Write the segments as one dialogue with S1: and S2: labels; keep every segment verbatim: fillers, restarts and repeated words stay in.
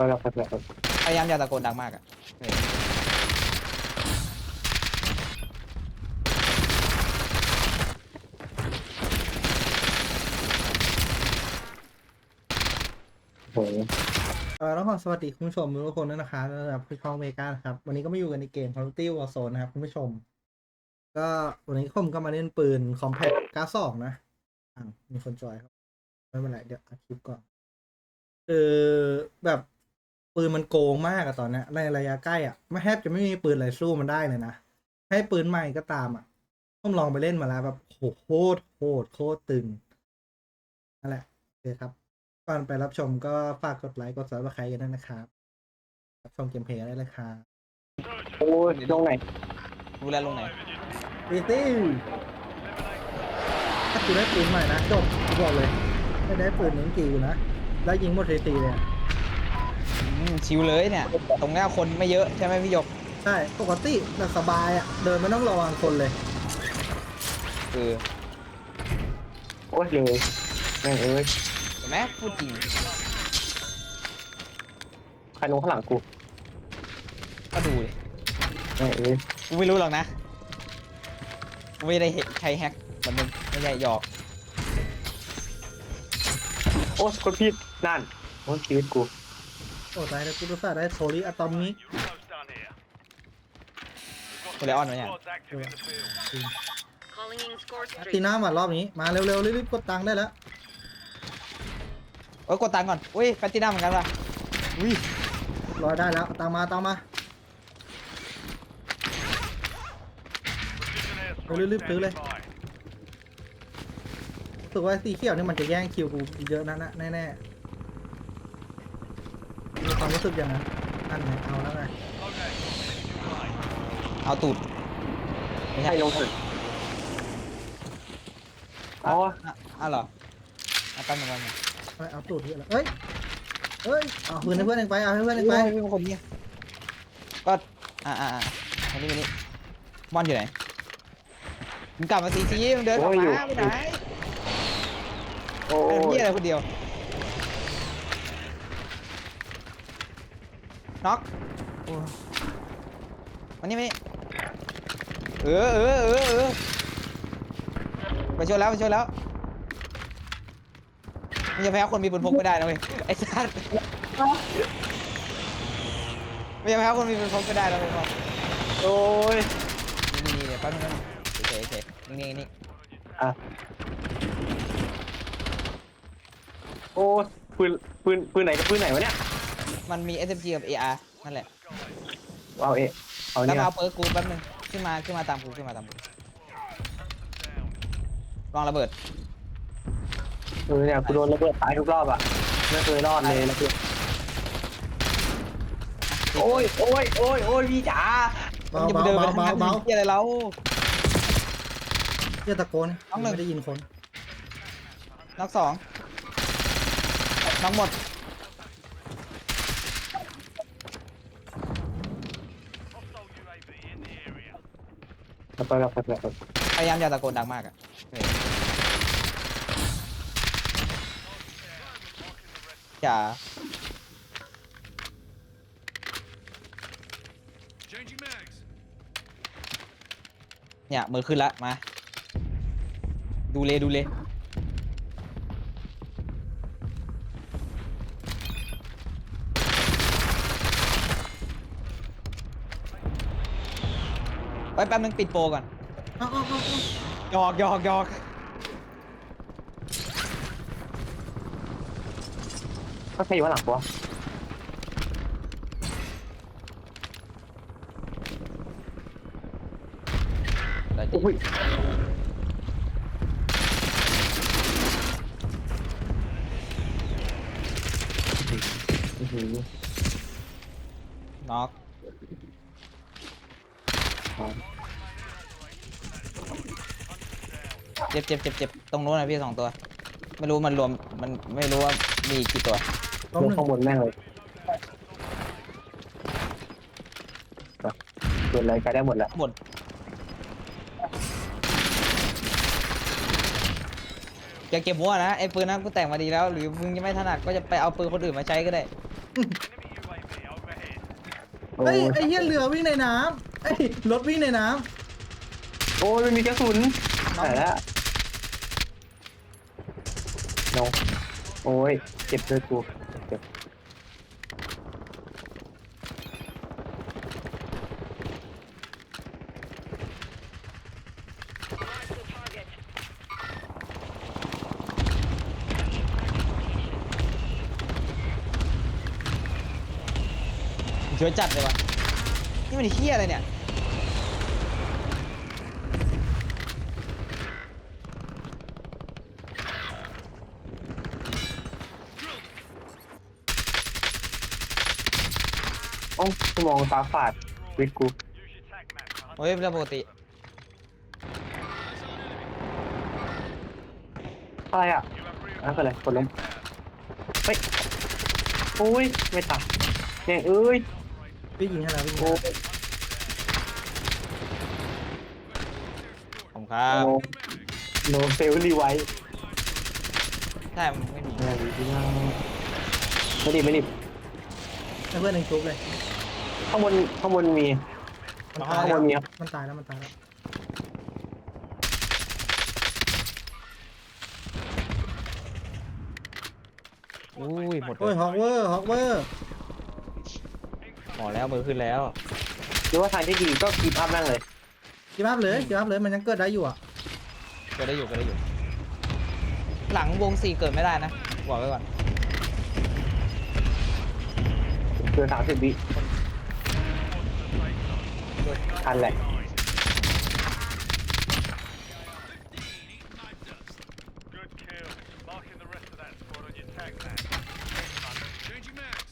S1: เราไปแบบ
S2: พยายามอย่าตะโกนดังมากอ่ะ
S1: โอ้โห
S3: เออต้องขอสวัสดีคุณผู้ชมทุกคนด้วยนะคะสำหรับผู้ช่องเมกานะครับวันนี้ก็มาอยู่กันในเกม Call of Duty Warzone นะครับคุณผู้ชมก็วันนี้ผมก็มาเล่นปืน Compact เก้าสิบสองนะอ่ามีคนจอยครับไม่เป็นไรเดี๋ยวอัดคลิปก่อนคือแบบปืนมันโกงมากอะตอนเนี้ยในระยะใกล้อะไม่แทบจะไม่มีปืนอะไรสู้มันได้เลยนะให้ปืนใหม่ก็ตามอะผมลองไปเล่นมาแล้วแบบโหโคตรโคตรโคตรตึงนั่นแหละโอเคครับก่อนไปรับชมก็ฝากกดไลค์กดซับสไครต์กันด้วยนะครับรับชมเกมเพลย์ได้เลยครับ
S1: โอ้ยลงไหน
S2: รู้แล้วลงไหน
S3: ตีตี้ถ้ากูได้ปืนใหม่นะจบกูบอกเลยไม่ได้ปืนนิ้งกีกูนะแล้วยิงหมดตีๆเลยอะ
S2: อืมชิวเลยเนี่ย ตรงหน้าคนไม่เยอะใช่ไหมพี่หยก
S3: ใช่ปกติแต่สบายอ่ะเดินไม่ต้องระวังคนเลย
S2: คือ
S1: โอ้ยเลยแม่งเอ้ย
S2: เห็นไหมพูดจริง
S1: ใครลงข้างหลังกู
S2: ก็ดูดิ
S1: แม่งเอ้ย
S2: กูไม่รู้หรอกนะกูไม่ได้เห็นใครแฮกมันมึงไม่ใช่หยอก
S1: โอ้ยคนผิดนั่นโอ้ยชีวิตกู
S3: โอ้ตายแล้วกูรู้สึกได้โทริอะตอมนี้
S2: กูเลยออนไว้เนี่ย
S3: ตีหน้ามารอบนี้มาเร็วๆรีบๆกดตังค์ได้แล้ว
S2: โอ้ยกดตังค์ก่อนอุ้ยแพตตินัมเหมือนกันว่ะอุ้ย
S3: รอได้แล้วเอาตังค์มาตังค์มารีบๆซื้อเลยรู้สึกว่าสีเขียวนี่มันจะแย่งคิวกูเยอะนะนะแน่ๆมีความรู้สึกอย่างนั้นนั่นไงเอาแล้วไง
S2: เอาตูดไม่
S1: ใคร
S2: ใช่
S1: ลงถึงอ๋อ
S2: อ่ะอ้าวเหรอเอาตั้งเหมือนกัน
S3: ไปเอาตูดที่อะไรเอ้ยเอ้ยเอาปืนให้เพื่อนเองไปเอาให้เพื่อนเอง
S2: ไป
S3: ไป
S2: เป็นคนเนี้ยก็อ่าอ่าอ่ามานี่มานี่บอลอยู่ไหนมึงกลับมาซีซีมึงเดินออกมาไปไหน
S1: โอ้
S2: เป็น
S1: ย
S2: พี่อะไรคนเดียวน็อกโอ้มานี่มานี่เออเออเออเออไปช่วยแล้วไปช่วยแล้วมันจะแพ้คนมีปืนพกไม่ได้นะเว้ยไอ้สัสมันจะแพ้คนมีปืนพกไม่ได้นะเว้ย
S1: โอ้ย
S2: นี่นี่เดี๋ยวแป๊บนึงนะโอเคโอเคนี่นี่นี่
S1: อ่ะโอ้ยปืนปืนปืนไหนกับปืนไหนวะเนี่ย
S2: มันมี เอส เอ็ม จี กับ เอ อาร์ นั่นแหละ
S1: เอาเอะเอา
S2: แล้ว
S1: เนี่ย
S2: มาเอาเปิร์กกูแป๊บนึงขึ้นมาขึ้นมาตามกูขึ้นมาตามกูวางระเบิด
S1: เออเนี่ยกูโดนระเบิดตายทุกรอบอ่ะไม่เคยรอดเลยนะพี่โอ้ยโอ้ยโอ้ยโอ้ยพี่จ๋า
S3: เบา
S2: จะ
S3: เบา
S2: ไปเดิน
S3: เบา
S2: ไป
S3: เบา
S2: ทาง
S3: เบา
S2: ที่อะไรเรา
S3: เรียกตะโกน
S2: น้องหนึ่ง
S3: ไม่ได้ยินคน
S2: น็อกสองน็อกหมด
S1: เราไปเราไปแบบ
S2: พยายามอย่าตะโกนดังมากอ่ะอย่าเนี่ยมือขึ้นละมาดูเลยดูเลยไปแป๊บนึงปิดโปรก่อน
S3: เอาเอาเอาเอา
S2: หยอกหยอกหยอก
S1: ก็ใครอยู่ข้างหลังกูวะ
S2: ได้ดิ
S1: โอ้ยอื้อหือ
S2: น็อก
S1: อ๋อ
S2: เจ็บเจ็บเจ็บเจ็บตรงนู้นนะพี่สองตัว ไม่รู้มันรวมมันไม่รู้ว่ามีกี่ตัว
S3: ล้ม
S1: ลง
S3: หนึ่ง
S1: ข้างบนแม่งเลยเกิดอะไรใช้ได้หมดแหละ
S2: หมดอย่าเก็บหัวนะไอ้ปืนนั้นกูแต่งมาดีแล้วหรือมึงยังไม่ถนัดก็จะไปเอาปืนคนอื่นมาใช้ก็ได้
S3: เฮ้ยไอ้เหี้ยเรือวิ่งในน้ำไอ้ยรถวิ่งในน้
S1: โอ้ยไม่มีกระสุนไหนละน้องโอ้ยเจ็บเลยกูเจ็บ
S2: เชื่อจัดเลยวะนี่มันเฮี้ยอะไรเนี่ย
S1: โอ้สมองตาฝาดวิทกู
S2: โอ้ยเป็นเรื่องปกติ
S1: อะไรอ่ะนั่นคืออะไรกดล้มเฮ้ยโอ้ยไม่ตายเนี่ยเอ้ย
S3: ำพี่ยิงให้เราพี่ยิง
S1: โอ้
S3: ให้
S1: ย
S2: ผมครับ
S1: โนเฟลรีไว้
S2: ใช่มันไม่มี
S1: ไม่ดีไม่ดีไม่ดี
S3: ให้เพื่อนหนึ่งชุบเลย
S1: ข้างบนข้างบนมี
S3: มัน
S1: ข้า
S3: ตาย
S1: งบ
S3: แล้ว
S1: นมีครับ
S3: มันตายแล้วมันตายแล้ว
S2: อุ้ยหมดเล
S3: โอ้ย
S2: ย
S3: ฮอกเวอร์ฮอกเวอร์
S2: หมอแล้วมือขึ้นแล้ว
S1: หรือว่าทางที่ดีก็กีบอัพนั่งเลย
S3: กีบอัพเลยกีบอัพเลยมันยังเกิดได้อยู่อ่ะ
S2: เกิดได้อยู่เกิดได้อยู่ หลังวงสี่เกิดไม่ได้นะบอกไว้ก่อน
S1: เกินสามสิบวิทันแหละ
S4: Good kill. Marking the rest of that squad on your tag map. Changing mags.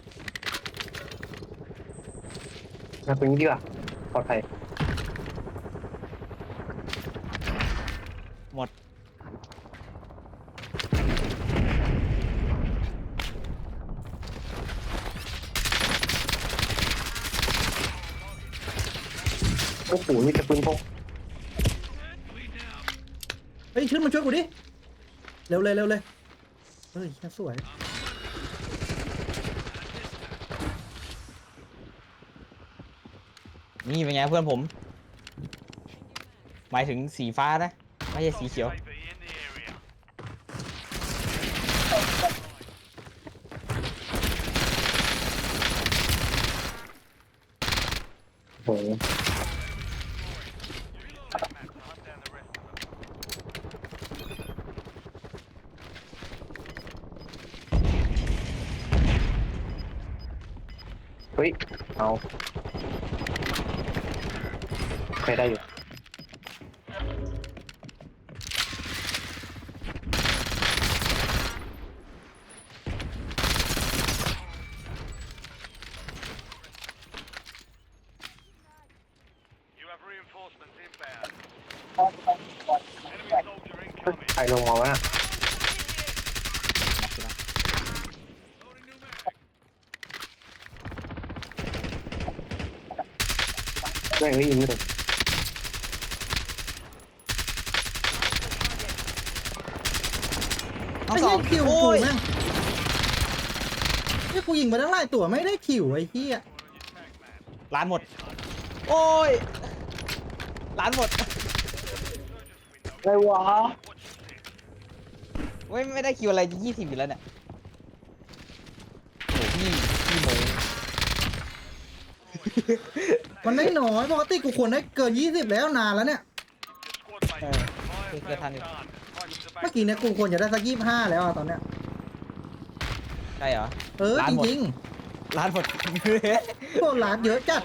S1: มาตรงนี้ดีกว่าปลอดภัย
S2: หมด
S1: โอ้โหมีแต่ปืนพก
S3: เฮ้ยขึ้นมาช่วยกูดิเร็วเลยเร็วเลยเฮ้ยแค่สวย
S2: นี่เป็นไงเพื่อนผม หมายถึงสีฟ้านะไม่ใช่สีเขียว
S4: U A V in the area.
S1: โอ้โห
S4: Maps, hunt down the rest of them.
S1: เฮ้ยเอาใครได้อยู่
S4: You have reinforcements inbound. Enemy soldier
S1: เฮ้ย
S4: incoming.
S1: ใครลงมาวะน่ะ
S4: Loading new mag.
S1: แม่งไม่ยิงเลย
S2: ทั้ง
S3: ไอ้
S2: สอ
S3: เหี้
S2: ง
S3: ยคิว
S2: โอ้
S3: กู
S2: ย
S3: แม่งนี่กูยิงไปตั้งหลายตัวไม่ได้คิวไอ้เหี้ย
S2: ล้านหมด โอ้ยล้านหมด
S1: อะไรวะ
S2: เว้ยไม่ได้คิวอะไรยี่สิบอยู่แล้วเนี่ยโอ้พี่พี่โม
S3: มันได้น้อยปกติกูควรได้เกินยี่สิบแล้วนานแล้วเนี่ย
S4: Your squad mates. Fire
S2: good
S4: sale
S2: hunting.
S4: done. Prices are
S3: เมื่
S4: back.
S3: อกี้เนี่ยกูควรจะได้สักยี่สิบห้าแล้วอะตอนเนี้ย
S2: ใช่เหรอ
S3: เออ
S2: ล้าน
S3: จ
S2: หมด
S3: ริง
S2: ล้านหมด
S3: ๆพวกร้านเยอะจัด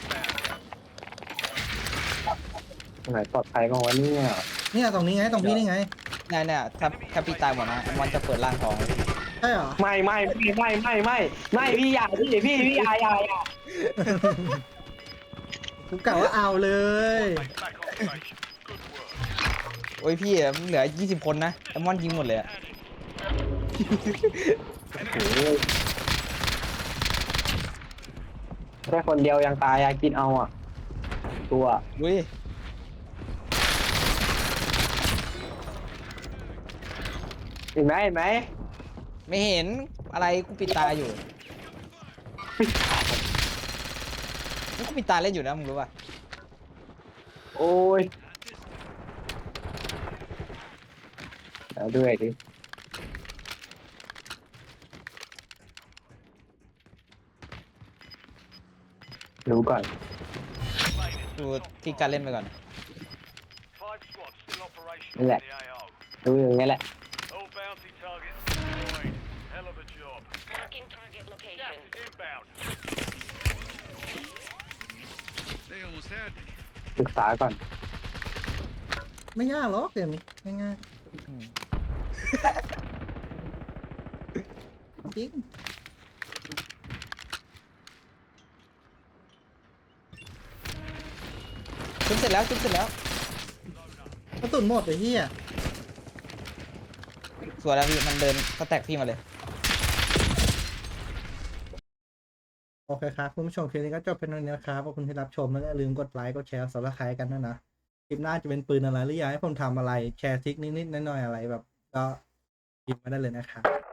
S1: ตรงไหนปลอดภัยบ้างวะเนี่ย
S3: เนี่ยตรงนี้ไงตรงพี่นี่ไง
S2: เนี่ยเนี่ยถ้าถ้าพี่ตายหมดนะมันจะเปิดร่างทอง
S3: ใช่เหรอ
S1: ไม่ไม่ไม่ไม่ไม่ไม่ไม่พี่อย่าพี่พี่พี่อย่าอย่าอย่า
S3: กูกะว่าเอาเลย
S4: Back on station. Good work.
S2: โอ้ยพี่อะเหลือยี่สิบคนนะแอมมอนยิงหมดเลยอะ
S1: โอ้โหแค่คนเดียวยังตายอยากกินเอาอ่ะ ตัว
S2: อุ้ย
S1: เห็นไหมเห็นไหม
S2: ไม่เห็นอะไรกูปิดตาอยู่นี่ก็มีตาเล่นอยู่นะมึงรู้ป่ะ
S1: โอ้ยแล้วด้วยดิรู้ก่อน
S2: ดูที่การเล่นไปก่อน
S4: Five squads still operational
S1: Relax.
S4: in the A O.
S1: รู้อย่างนี้แหละ
S4: All bounty targets destroyed. Hell of a job.
S5: Marking target location.
S4: Gas is inbound. They almost had me.
S1: ศึกษาก่อน
S3: ไม่ยากหรอกเกมนี้ง่าย
S2: อืม
S3: ๆจริง
S2: ชุบเสร็จแล้วชุบเสร็จแล้ว
S3: กระสุนหมดไอ้เหี้ย
S2: สวยแล้วพี่มันเดินสแต็กพี่มาเลย
S3: โอเคครับคุณผู้ชมคลิปนี้ก็จบเป็นเท่านี้นะครับขอบคุณที่รับชมแล้วก็อย่าลืมกดไลค์กดแชร์สับสไครต์กันด้วยนะคลิปหน้าจะเป็นปืนอะไรหรืออยากให้ผมทำอะไรแชร์ทริคนิดๆหน่อยๆอะไรแบบ ก็พิมพ์มาได้เลยนะครับ